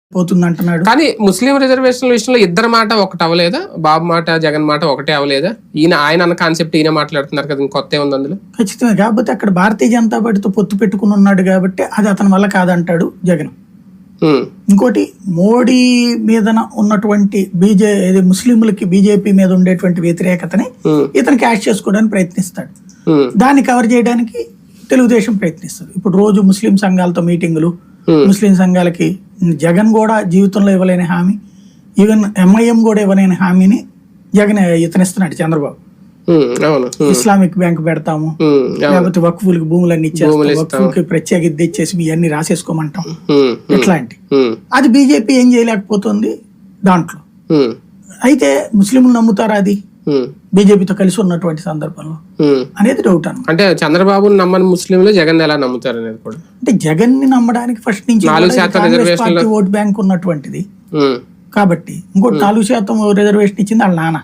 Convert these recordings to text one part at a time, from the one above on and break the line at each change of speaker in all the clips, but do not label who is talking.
పోతుంది అంటున్నాడు.
కానీ ముస్లిం రిజర్వేషన్ల విషయంలో ఇద్దరు మాట ఒకటి అవ్వలేదా? బాబు మాట జగన్ మాట ఒకటే అవ్వలేదా? ఆయన అన్న కాన్సెప్ట్ ఈయన మాట్లాడుతున్నారు కదా, ఇంకొత్త ఉంది అందులో.
ఖచ్చితంగా. కాకపోతే అక్కడ భారతీయ జనతా పార్టీతో పొత్తు పెట్టుకుని ఉన్నాడు కాబట్టి అది అతని వల్ల కాదంటాడు జగన్. ఇంకోటి, మోడీ మీద ఉన్నటువంటి ముస్లింలకి బీజేపీ మీద ఉండేటువంటి వ్యతిరేకతని ఇతను క్యాష్ చేసుకోవడానికి ప్రయత్నిస్తాడు. దాన్ని కవర్ చేయడానికి తెలుగుదేశం ప్రయత్నిస్తుంది. ఇప్పుడు రోజు ముస్లిం సంఘాలతో మీటింగులు, ముస్లిం సంఘాలకి జగన్ కూడా జీవితంలో ఇవ్వలేని హామీ, ఈవెన్ ఎంఐఎం కూడా ఇవ్వలేని హామీని జగన్ ఇతనిస్తున్నాడు చంద్రబాబు. ఇస్లామిక్ బ్యాంక్ పెడతాము, లేకపోతే వక్ఫులకి భూములన్నీ ఇచ్చేస్తాం, వక్ఫులకి ప్రత్యేక ఇచ్చేసి ఇవన్నీ రాసేసుకోమంటాం, ఇట్లాంటి. అది బీజేపీ ఏం చేయలేకపోతుంది దాంట్లో. అయితే ముస్లింలు నమ్ముతారా అది బీజేపీతో కలిసి ఉన్నటువంటి సందర్భంలో అనేది డౌట్ అన్నమాట.
అంటే చంద్రబాబు నమ్మని ముస్లింలు జగన్ ఎలా నమ్ముతారు అనేది కూడా.
అంటే జగన్ ని నమ్మడానికి ఫస్ట్ నుంచి కాంగ్రెస్ పార్టీ ఓట్ బ్యాంక్ ఉన్నటువంటిది కాబట్టి, ఇంకోటి 4% రిజర్వేషన్ ఇచ్చింది వాళ్ళ నాన్న.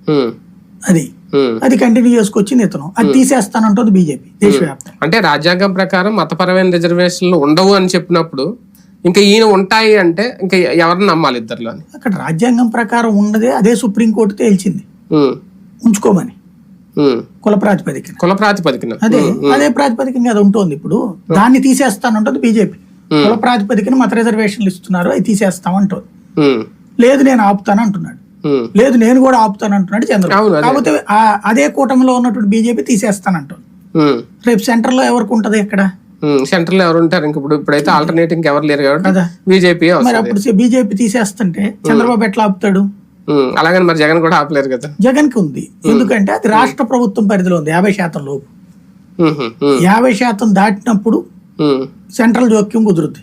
అది కంటిన్యూ చేసుకొచ్చింది ఇతను. అది తీసేస్తానంటుంది బీజేపీ దేశవ్యాప్తంగా.
అంటే రాజ్యాంగం ప్రకారం మతపరమైన రిజర్వేషన్లు ఉండవు అని చెప్పినప్పుడు ఇంకా ఈయన ఉంటాయి అంటే ఇంకా ఎవరిని నమ్మాలి ఇద్దరులో?
అక్కడ రాజ్యాంగం ప్రకారం ఉన్నదే అదే సుప్రీంకోర్టు తేల్చింది ఉంచుకోమని, కుల ప్రాతిపదికన. అదే ప్రాతిపదికన అది ఉంటుంది. ఇప్పుడు దాన్ని తీసేస్తానంటుంది బీజేపీ. కుల ప్రాతిపదికన మత రిజర్వేషన్లు ఇస్తున్నారు, అవి తీసేస్తామంటుంది. లేదు నేను ఆపుతాను అంటున్నాడు, లేదు నేను కూడా ఆపుతాను అంటున్నాడు చంద్రబాబు. కాకపోతే అదే కూటమిలో ఉన్నటువంటి బీజేపీ తీసేస్తానంటుంది. రేపు సెంటర్ లో ఎవరికి ఉంటది? ఇక్కడ
సెంటర్ లో ఎవరు ఉంటారు? ఇప్పుడైతే ఆల్టర్నేటివ్ ఎవరు లేరు కాబట్టి బీజేపీ. మరి
అప్పుడు బీజేపీ తీసేస్తుంటే చంద్రబాబు ఎట్లా ఆపుతాడు?
అలాగని మరి జగన్ కూడా ఆపలేరు కదా.
జగన్ కి ఉంది, ఎందుకంటే అది రాష్ట్ర ప్రభుత్వం పరిధిలో ఉంది. 50% లోపు 50% దాటినప్పుడు సెంట్రల్ జోక్యం కుదురుద్ది.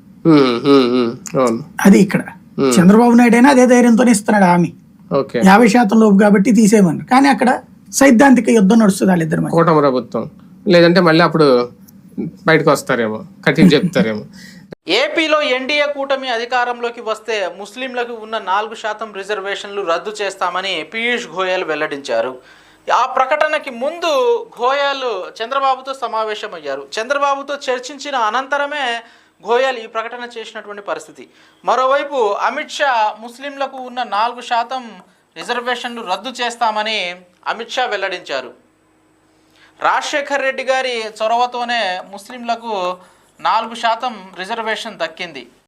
అది ఇక్కడ చంద్రబాబు నాయుడు అయినా అదే ధైర్యంతోనే ఇస్తున్నాడు హామీ, 50% లోపు కాబట్టి తీసేయమని. కానీ అక్కడ సైద్ధాంతిక యుద్ధం నడుస్తుంది వాళ్ళిద్దరి మధ్య.
కూటమి ప్రభుత్వం లేదంటే మళ్ళీ అప్పుడు బయటకు వస్తారేమో, కఠిన చెప్తారేమో.
ఏపీలో ఎన్డీఏ కూటమి అధికారంలోకి వస్తే ముస్లింలకు ఉన్న 4% రిజర్వేషన్లు రద్దు చేస్తామని పీయూష్ గోయల్ వెల్లడించారు. ఆ ప్రకటనకి ముందు గోయల్ చంద్రబాబుతో సమావేశమయ్యారు. చంద్రబాబుతో చర్చించిన అనంతరమే గోయల్ ఈ ప్రకటన చేసినటువంటి పరిస్థితి. మరోవైపు అమిత్ షా ముస్లింలకు ఉన్న 4% రిజర్వేషన్లు రద్దు చేస్తామని అమిత్ షా వెల్లడించారు. రాజశేఖర్ రెడ్డి గారి చొరవతోనే ముస్లింలకు 4% రిజర్వేషన్ దక్కింది.